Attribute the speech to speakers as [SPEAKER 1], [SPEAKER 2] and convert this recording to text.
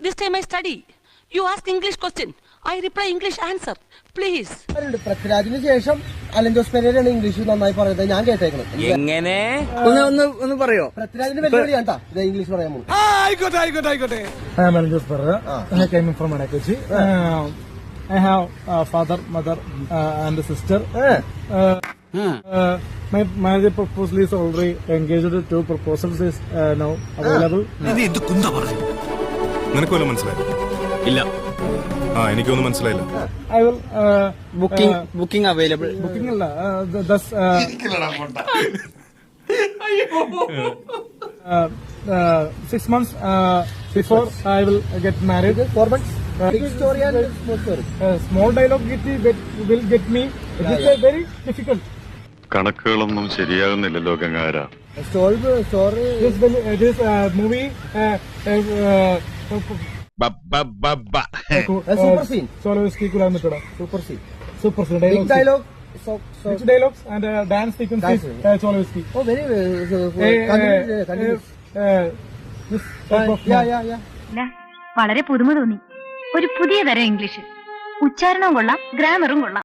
[SPEAKER 1] This time I study. You ask English question. I reply English answer. Please.
[SPEAKER 2] പൃഥ്വിരാജിന് ശേഷം Allen Jose പെരേരയാണ് English നന്നായി പറയുന്നത് ഞാൻ കേട്ടേക്കണം.
[SPEAKER 3] എങ്ങനെ ഒന്ന് പറയോ?
[SPEAKER 2] പൃഥ്വിരാജിന്റെ വെല്ലുവിളിയാണ് കേട്ടാ ഇത് ഇംഗ്ലീഷ് പറയാൻ പോകും.
[SPEAKER 4] ആയിക്കോട്ടെ. I am Alan Jose Pereira. I came from Manakochi. I have father, mother, and a sister. My marriage proposal is already engaged. 2 proposals is now available.
[SPEAKER 5] നിനക്ക് വല്ലതും മനസ്സിലായി? ഇല്ല. എനിക്കൊന്നും മനസ്സിലായില്ല.
[SPEAKER 4] I will
[SPEAKER 3] booking available.
[SPEAKER 4] booking അല്ല thus 6 months before I will get married.
[SPEAKER 2] 4 months. Big story and small story.
[SPEAKER 4] Small dialogue will get me. It is very difficult.
[SPEAKER 6] കണക്കുകളൊന്നും ശരിയാകുന്നില്ലല്ലോ ഗംഗാര.
[SPEAKER 2] Story.
[SPEAKER 4] This movie
[SPEAKER 2] Super scene.
[SPEAKER 4] Solovsky Kulamittada.
[SPEAKER 2] Super scene.
[SPEAKER 4] Super scene.
[SPEAKER 2] Big dialogue.
[SPEAKER 4] Rich dialogues and dance sequences. Solovsky.
[SPEAKER 2] Oh, very continuous.
[SPEAKER 4] This type of
[SPEAKER 2] Yeah.
[SPEAKER 7] വളരെ പുതുമ തോന്നി. ഒരു പുതിയ തരം English. ഉച്ചാരണവും കൊള്ളാം, ഗ്രാമറും കൊള്ളാം.